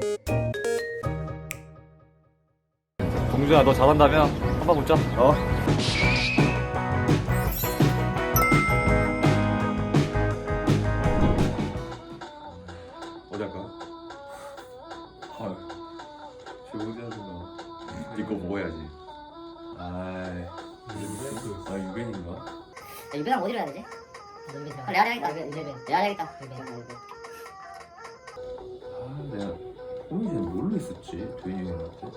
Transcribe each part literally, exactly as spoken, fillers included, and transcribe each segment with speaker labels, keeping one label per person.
Speaker 1: 동주야, 너 잘한다면 한번 붙자. 어.
Speaker 2: 어디 할까? 아, 저기 하지 마. 이거 먹어야지. 아이, 아 유벤인가?
Speaker 3: 야, 유배랑 어디로 해야 되지? 아, 레알 해야겠다. 레알 해야겠다.
Speaker 2: 아, 내가 호민이는 뭘로 있었지? 도현이 형한테?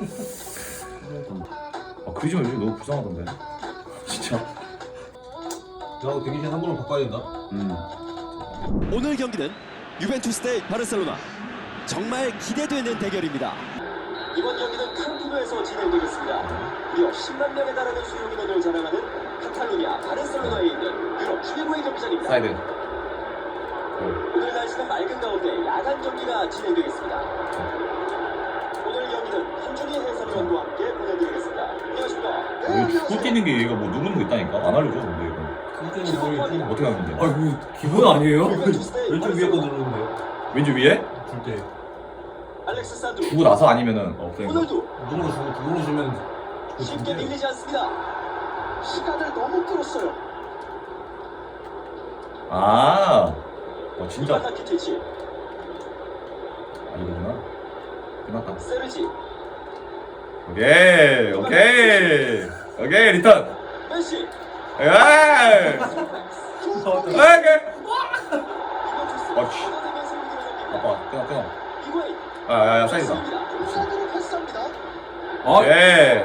Speaker 2: 아, 그러지 마. 요즘 너무 불쌍하던데. 진짜.
Speaker 4: 나하고 대기실 한 번은 바꿔야 된다.
Speaker 2: 음.
Speaker 5: 오늘 경기는 유벤투스 대 바르셀로나. 정말 기대되는 대결입니다.
Speaker 6: 이번 경기는 캄프누에서 진행되겠습니다. 무려 십만 명에 달하는 수용 인원을 자랑하는 카탈루냐 바르셀로나에 있는 유럽 최고의 경기장입니다.
Speaker 2: 사이드.
Speaker 6: 오늘 날씨는 맑은 가운데 야간 경기가 진행되겠습니다. 오늘 경기는 한준희 해설위원과 함께 보내드리겠습니다. 안녕하십니까?
Speaker 2: 이거 축구 뛰는 게 얘가 뭐 누르는 거 있다니까? 안 알려줘, 근데 이거. 어떻게 하면 돼?
Speaker 4: 아 이거 기본 아니에요?
Speaker 6: 유벤투스 대
Speaker 4: 왼쪽 위에 거 누르는데
Speaker 2: 왼쪽 위에?
Speaker 4: 줄 때.
Speaker 6: 알렉스 산드루
Speaker 2: 주고 나서 아니면은 없어요.
Speaker 6: 호날두
Speaker 4: 누르고 주고 그걸로 주면
Speaker 6: 쉽게 밀리지 않습니다. 시간을 너무 끌었어요.
Speaker 2: 아, 어 진짜.
Speaker 6: 이바타 키티치,
Speaker 2: 아 이거구나. 끝났다.
Speaker 6: 세르지,
Speaker 2: 오케이, 오케이, 오케이 리턴.
Speaker 6: 메시,
Speaker 2: 에이, 오케이.
Speaker 6: 유벤투스
Speaker 2: 어이씨.
Speaker 6: 얻어내면서 이끌어냅니다.
Speaker 2: 아빠 끊어 끊어.
Speaker 6: 이구아인
Speaker 2: 아야야 사이드다.
Speaker 6: 우선으로 패스합니다.
Speaker 2: 오케이,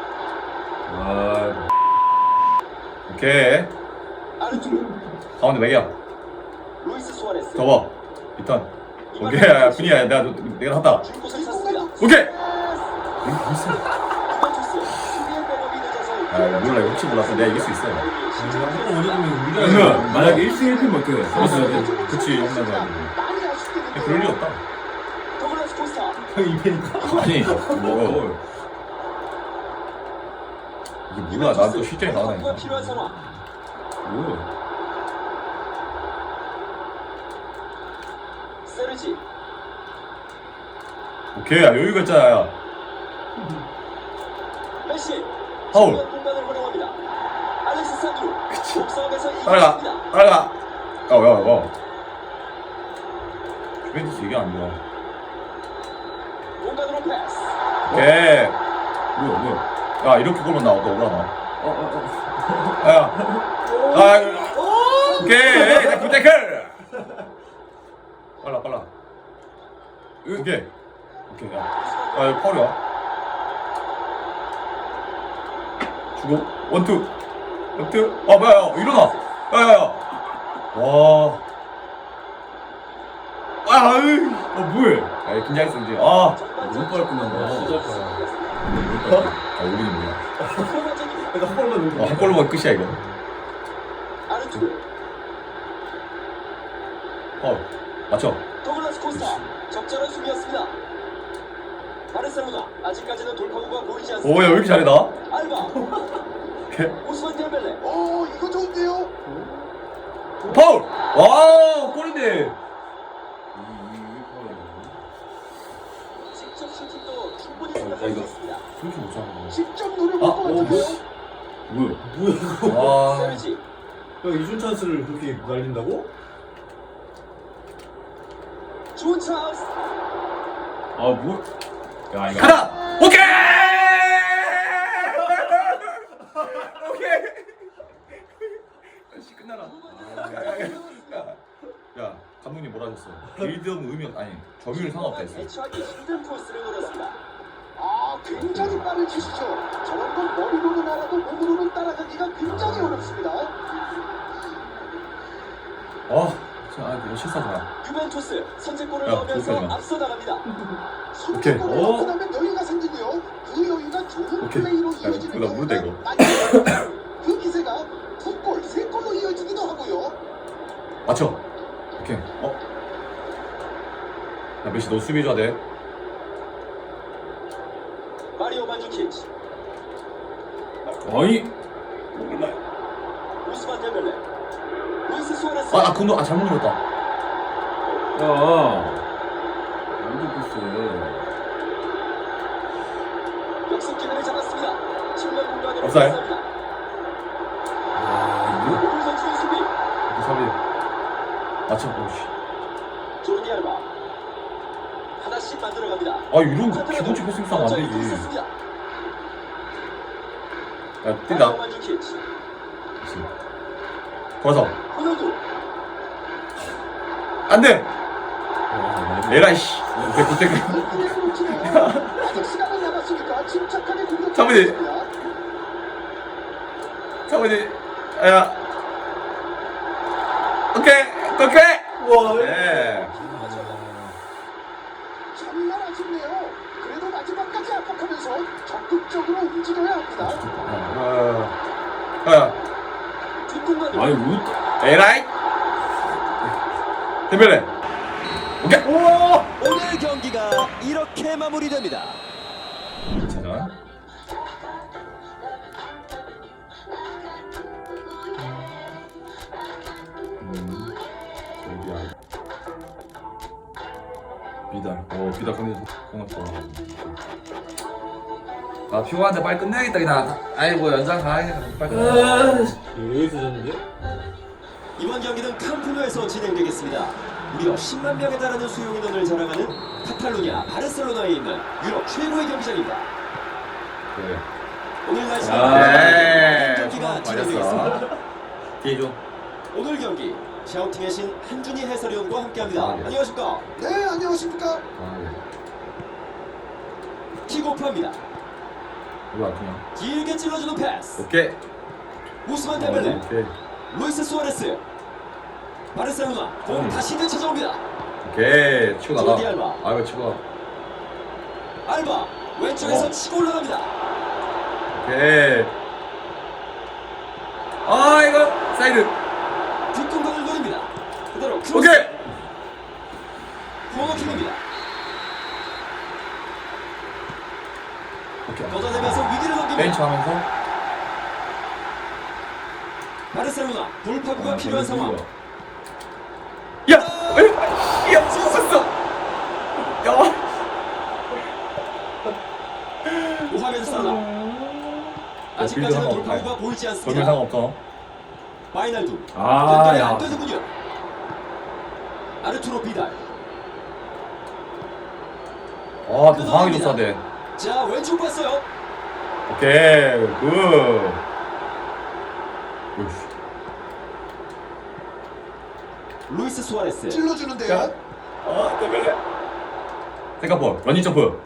Speaker 4: 아
Speaker 2: 오케이.
Speaker 6: 아르투르,
Speaker 2: 가운데 맥이야.
Speaker 6: 루이스 수아레스,
Speaker 2: 접어. 리턴. 오케이, 야 분이야. 내가 내가 한다.
Speaker 6: 줄 곳을 찾습니다.
Speaker 2: 오케이.
Speaker 6: 유벤투스 수비의 백업이 늦어서
Speaker 2: 아 몰라 이거 혹시 몰라서 내가 이길 수 있어.
Speaker 4: 한번 올려주면 우리가
Speaker 2: 그러면
Speaker 4: 만약에 일 승 일 패면 어떻게 돼?
Speaker 2: 그치 홈런 가지고.
Speaker 6: 많이 아쉽게 됐네요.
Speaker 2: 그럴 리 없다.
Speaker 6: 더글라스 코스타,
Speaker 4: 형이 이 패니까.
Speaker 2: 아니 뭐 이게 뭐야? 난 또 실전이 나오다니까.
Speaker 6: 필요한 상황.
Speaker 2: 뭐?
Speaker 6: 세르지,
Speaker 2: 오케이 야, 여유가 있잖아. 야.
Speaker 6: 메시,
Speaker 2: 파울.
Speaker 6: 중요한 공간을 활용합니다. 알렉스 산드루, 몸싸움에서
Speaker 2: 따라가
Speaker 6: 이겼습니다.
Speaker 2: 따라가. 야야 야. 주벤투스 이게 안 좋아.
Speaker 6: 공간으로 패스.
Speaker 2: 오케이.
Speaker 4: 뭐야 뭐야?
Speaker 2: 야 이렇게 골만 나와 또 올라나.
Speaker 4: 어어 어.
Speaker 2: 야. 아. 오케이. 자 굿태클. 빨라 빨라. 오케이. 오케이 야. 아 이거 파울이야. 주고 원투 원투. 아 뭐야 야 일어나. 야야야. 와. 아 아유. 어 뭐해? 야 긴장했어 이제. 아.
Speaker 4: 너무 빨리 끝난다. 진짜 빨리.
Speaker 2: 아 우리는 뭐야?
Speaker 4: 내가 한 번만 누르.
Speaker 2: 어, 한 골로만 끝이야 이거.
Speaker 6: 아르투르,
Speaker 2: 어 맞춰.
Speaker 6: 더글라스 코스타, 적절한 수비였습니다. 바르셀로나 아직까지는 돌파구가 보이지 않습니다.
Speaker 2: 오야 왜 이렇게 잘해 나?
Speaker 6: 알바,
Speaker 2: 오케이.
Speaker 6: 오스만 델벨레. 오, 이거 좋은데요?
Speaker 2: 파울. 와 골인데.
Speaker 6: 직접 슈팅도 충분히
Speaker 2: 어,
Speaker 6: 생각할 수
Speaker 2: 이거.
Speaker 6: 있습니다.
Speaker 2: 그렇게 못 잡아.
Speaker 6: 직접 노려볼
Speaker 2: 아,
Speaker 6: 것
Speaker 2: 어,
Speaker 6: 같은데요?
Speaker 2: 뭐야?
Speaker 4: 뭐야?
Speaker 2: 와.
Speaker 6: 세르지,
Speaker 4: 형 이준 찬스를 그렇게 날린다고?
Speaker 6: 좋은 찬스.
Speaker 4: 아 뭐? 야 이거.
Speaker 2: 가라. 오케이. 오케이. 씨 끝나라. 야 감독님 뭐라 하셨어? 빌드업 의미 없 아니 점유율 상관없다 했어.
Speaker 6: 대처하기 힘든 코스를 노렸습니다. 아, 굉장히 빠른 치시죠. 저런 건 머리로는 알아도 몸으로는 따라가기가 굉장히 어렵습니다.
Speaker 2: 아, 진짜 아 이거 실수하지 마.
Speaker 6: 유벤투스 선제골을
Speaker 2: 야,
Speaker 6: 넣으면서
Speaker 2: 조심하지 마.
Speaker 6: 앞서 나갑니다.
Speaker 2: 오케이.
Speaker 6: 선제골을
Speaker 2: 어.
Speaker 6: 넣고 나면 여유가 생기고요. 그 여유가 좋은
Speaker 2: 오케이.
Speaker 6: 플레이로
Speaker 2: 야,
Speaker 6: 이어지는
Speaker 2: 나 모르다, 이거.
Speaker 6: 많이 있습니다. 그 기세가 두 골, 세 골로 이어지기도 하고요.
Speaker 2: 맞춰. 오케이. 어? 야 메시 너 수비해줘야 돼.
Speaker 6: 마리오 만주키치,
Speaker 2: 어이.
Speaker 6: 우스만 델벨레, 루이스 수아레스.
Speaker 2: 아나 근데 아 잘못 눌렀다.
Speaker 4: 야. 패스.
Speaker 6: 역습 기회를 잡았습니다. 측면 공간으로
Speaker 2: 없어요?
Speaker 6: 패스합니다.
Speaker 4: 아, 이거?
Speaker 6: 오늘 선수의 수비.
Speaker 2: 사비. 맞춰. 오씨.
Speaker 6: 조르디 알바. 하나씩 만들어갑니다.
Speaker 2: 아 이런 거 기본적 패스 싸움 안 되지. 야 뛴다.
Speaker 6: 만주키치.
Speaker 2: 거서.
Speaker 6: 호날두.
Speaker 2: 안돼. 에라이 씨. 굿대 굿대.
Speaker 6: 아직 시간은 남았으니까 침착하게 공격.
Speaker 2: 사모님. 사모님. 야. 오케이. 오케이.
Speaker 4: 우와.
Speaker 2: 네.
Speaker 6: 정말 아쉽네요. 그래도 마지막까지 압박하면서 적극적으로 움직여야 합니다.
Speaker 2: 야. 야.
Speaker 6: 뒷공간.
Speaker 4: 아니, 우
Speaker 2: 에라이. 데벨레. 오케이.
Speaker 5: 오늘 경기가 이렇게 마무리됩니다.
Speaker 2: 자. 음. 저기야. 비달. 어, 비달 컨디션 고맙다. 아, 피곤한데 빨리 끝내야겠다 그냥. 아이고 연장 가야겠다. 빨리 끝내.
Speaker 4: 여기서 졌는데?
Speaker 6: 이번 경기는 캄프누에서 진행되겠습니다. 무려 십만 명에 달하는 수용 인원을 자랑하는 카탈루냐 바르셀로나에 있는 유럽 최고의 경기장입니다.
Speaker 2: 그래.
Speaker 6: 오늘 날씨
Speaker 2: 아, 네.
Speaker 6: 경기가 진행되겠습니다.
Speaker 2: 뒤에 좀.
Speaker 6: 오늘 경기 샤우팅의 신 한준희 해설위원과 함께합니다.
Speaker 2: 아, 네.
Speaker 6: 안녕하십니까? 네, 안녕하십니까?
Speaker 2: 아, 네.
Speaker 6: 킥오프합니다.
Speaker 2: 이거 아프냐?
Speaker 6: 길게 찔러주는 패스.
Speaker 2: 오케이.
Speaker 6: 우스만 데벨레,
Speaker 2: 오케이.
Speaker 6: 루이스 수아레스. 바르셀로나 공
Speaker 2: 음.
Speaker 6: 다시 되찾아옵니다.
Speaker 2: 오케이. 치고 나가.
Speaker 6: 조디 알바.
Speaker 2: 아, 이거 치고 가.
Speaker 6: 알바 왼쪽에서
Speaker 2: 어.
Speaker 6: 치고 올라갑니다.
Speaker 2: 오케이. 아, 이거 사이드.
Speaker 6: 뒷공간을 노립니다. 그대로 크로스.
Speaker 2: 오케이.
Speaker 6: 코너킥입니다.
Speaker 2: 오케이.
Speaker 6: 걷어내면서 위기를 넘깁니다.
Speaker 2: 벤치 하면서.
Speaker 6: 바르셀로나 돌파구가
Speaker 2: 아,
Speaker 6: 필요한 상황.
Speaker 2: 야, 에이, 야, 죽었어. 야.
Speaker 6: 모하메드 살라. 아직까지는
Speaker 2: 빌드
Speaker 6: 돌파구가
Speaker 2: 상관
Speaker 6: 보이지
Speaker 2: 돌면
Speaker 6: 않습니다.
Speaker 2: 상관없어.
Speaker 6: 마이날두.
Speaker 4: 아,
Speaker 6: 연결이
Speaker 4: 야.
Speaker 6: 안 되는군요. 아르투로 비달.
Speaker 2: 아, 또 상황이 줬어야 돼.
Speaker 6: 자 왼쪽 봤어요.
Speaker 2: 오케이, 굿. 으이씨.
Speaker 6: 루이스 수아레스.
Speaker 2: 야. 아, 때문에. 생각볼, 러닝 점프.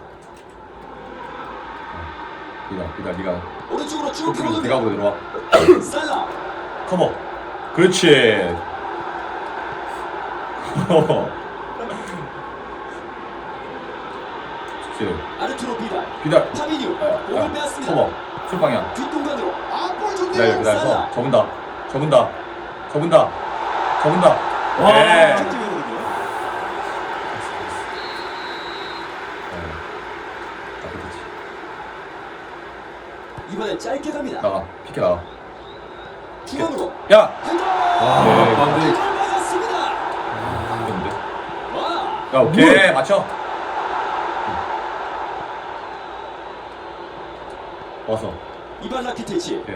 Speaker 2: 니가, 니가, 니가.
Speaker 6: 오른쪽으로 쭉
Speaker 2: 네가
Speaker 6: 들어옵니다.
Speaker 2: 보고 들어와.
Speaker 6: 살라.
Speaker 2: 커버. 그렇지. 그렇지.
Speaker 6: 아르투로 비달.
Speaker 2: 비달.
Speaker 6: 파비뉴.
Speaker 2: 야,
Speaker 6: 공을
Speaker 2: 야,
Speaker 6: 빼앗습니다.
Speaker 2: 커버. 술 방향.
Speaker 6: 뒷공간으로. 아볼
Speaker 2: 기다려,
Speaker 6: 좋네요.
Speaker 2: 기다려.
Speaker 6: 살라.
Speaker 2: 접은다. 접은다. 접은다. 접은다.
Speaker 4: 와.
Speaker 2: 네.
Speaker 6: 득점이거든요. 이번엔 짧게 갑니다.
Speaker 2: 나가. 피케 나가.
Speaker 6: 중앙으로.
Speaker 2: 야.
Speaker 6: 헤더.
Speaker 4: 아,
Speaker 2: 네,
Speaker 4: 반대.
Speaker 6: 헤더를 맞았습니다.
Speaker 2: 근데.
Speaker 6: 와.
Speaker 2: 야, 오케이. 맞춰. 와서.
Speaker 6: 이반 라키티치.
Speaker 2: 오케이.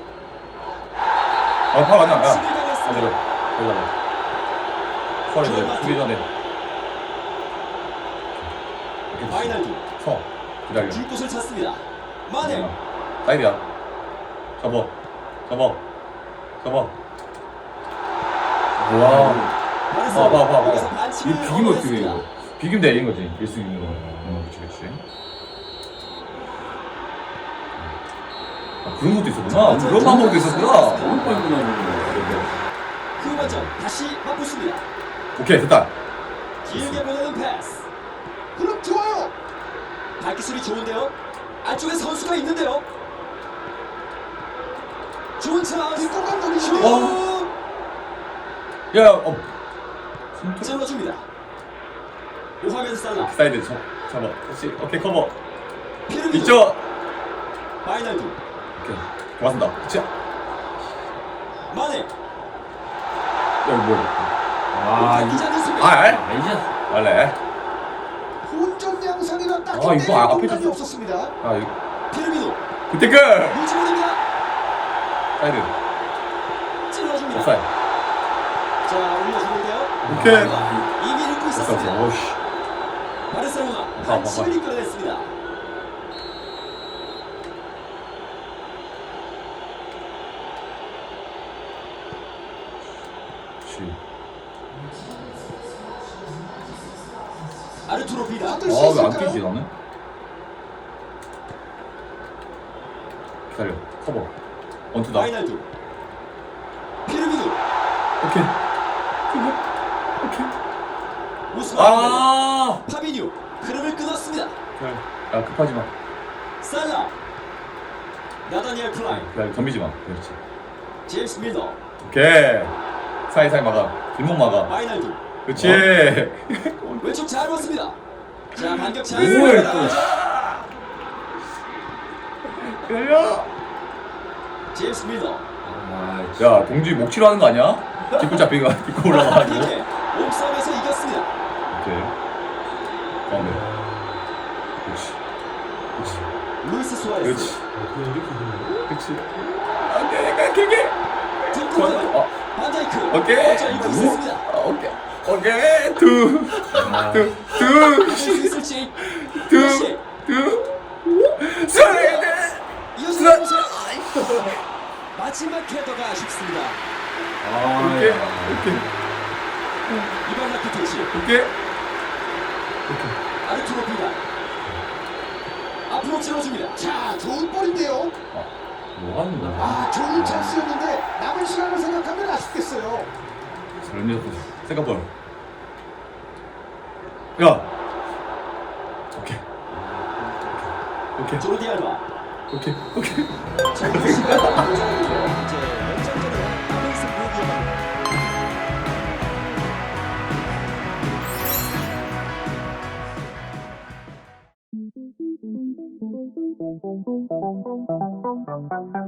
Speaker 2: 아, 파 맞나? 야.
Speaker 6: 수비
Speaker 2: 반대로.
Speaker 6: 당했습니다.
Speaker 2: 여기다가. 수월히 돼. 수비 전에. 이렇게
Speaker 6: 마이날두.
Speaker 2: 서. 기다려.
Speaker 6: 줄 곳을 찾습니다. 마네.
Speaker 2: 사이드야. 접어. 접어. 접어. 와. 봐, 봐, 봐, 봐.
Speaker 6: 여기서 반칙을
Speaker 2: 이거 비기면 어떻게 돼,
Speaker 6: 얻어냈습니다.
Speaker 2: 이거. 비기면 돼, 이긴 거지. 일수 이기는 거. 응, 그치, 그치. 아, 그런 것도 있었구나. 그런 방법도 있었구나.
Speaker 4: 너무 빨리 끝나는
Speaker 6: 그 관점 다시 바꾸습니다.
Speaker 2: 오케이, 됐다.
Speaker 6: 길게 보내는 패스. 그럼 좋아요. 발기술이 좋은데요. 안쪽에 선수가 있는데요. 좋은 찬스. 뒷공간 노리 슛.
Speaker 2: 어. 야, 어.
Speaker 6: 찔러줍니다. 모하메드 살라.
Speaker 2: 사이드 접, 접어. 그렇지. 오케이, 커버.
Speaker 6: 피르미노.
Speaker 2: 이쪽.
Speaker 6: 마이날두.
Speaker 2: 오케이. 고맙습니다. 그치? 야,
Speaker 6: 마네.
Speaker 2: 이거 뭐야.
Speaker 4: 아,
Speaker 6: 기자는 수비.
Speaker 2: 아, 알?
Speaker 4: 아니지.
Speaker 2: 원래.
Speaker 7: 여기서 딱
Speaker 2: 아, 이거 아- 앞에
Speaker 7: 공간이
Speaker 2: 줬어.
Speaker 7: 없었습니다.
Speaker 2: 아 이거
Speaker 6: 피르미노
Speaker 2: 굿태클.
Speaker 6: 밀치고됩니다.
Speaker 2: 사이드.
Speaker 6: 찔러줍니다.
Speaker 2: offside.
Speaker 6: 자 올려주는데요.
Speaker 2: 오케이.
Speaker 6: 이미 읽고
Speaker 2: 없어 없어.
Speaker 6: 있었습니다.
Speaker 2: 오씨.
Speaker 6: 바르셀로나
Speaker 2: 봐봐,
Speaker 6: 반칙을 이끌어냈습니다.
Speaker 2: 씨.
Speaker 6: 아르투로 비다.
Speaker 7: 아, 뜰수
Speaker 2: 아왜 안
Speaker 7: 있을까요?
Speaker 2: 뛰지 나는? 기다려. 커버. 원투다.
Speaker 6: 파이널두 피르미노
Speaker 2: 오케이. 오케이.
Speaker 6: 우스만
Speaker 2: 아.
Speaker 6: 파비뉴 흐름을 끊었습니다.
Speaker 2: 야 급하지 마.
Speaker 6: 살라 나다니엘 클라인
Speaker 2: 야 덤비지 마. 그렇지.
Speaker 6: 제임스 밀러
Speaker 2: 오케이. 사이사이 막아. 뒷목 막아.
Speaker 6: 마이날두
Speaker 2: 그렇지.
Speaker 6: 왼쪽 잘 봤습니다. 자 반격 잘
Speaker 2: 오이,
Speaker 6: 습니다.
Speaker 2: 기다려.
Speaker 6: 제임스 밀러
Speaker 2: 야 동지 목치로 하는 거 아니야? 뒷골 잡히가 뒷골 올라가가지고.
Speaker 6: 이렇게 몸싸움에서 이겼습니다.
Speaker 2: 오케이. 가운데. 그렇지. 그렇지.
Speaker 6: 루이스 수아레스
Speaker 2: 그렇지.
Speaker 4: 그냥 이렇게 되는
Speaker 2: 그렇지. 안돼, 길게.
Speaker 6: 뒷골
Speaker 2: 어,
Speaker 6: 반다이크
Speaker 2: 오케이.
Speaker 6: 어쩔 입고 있었습니다.
Speaker 2: 아, 오케이. 오케이. 투. 투. 투.
Speaker 6: 할수 있을지
Speaker 2: 투.
Speaker 6: 다시
Speaker 2: 투. 스트레이트.
Speaker 6: 이어서
Speaker 2: 스트레이트.
Speaker 6: 보세요. 마지막 헤더가 아쉽습니다.
Speaker 2: 오케이. 오케이.
Speaker 6: 이번 라키티치
Speaker 2: 오케이.
Speaker 6: 아르투로 비다 앞으로 찔러줍니다.
Speaker 7: 자, 좋은 볼인데요.
Speaker 2: 뭐 하는 거야?
Speaker 7: 아, 좋은 찬스였는데 남은 시간을 생각하면 아쉽겠어요.
Speaker 2: 저런 생각볼. 야. 오케이. 오케이.
Speaker 6: 조르디 알바
Speaker 2: 오케이. 오케이.
Speaker 6: 정규 시간 이제 연장전으로 남은 승부 이어갑니다.
Speaker 8: Thank you.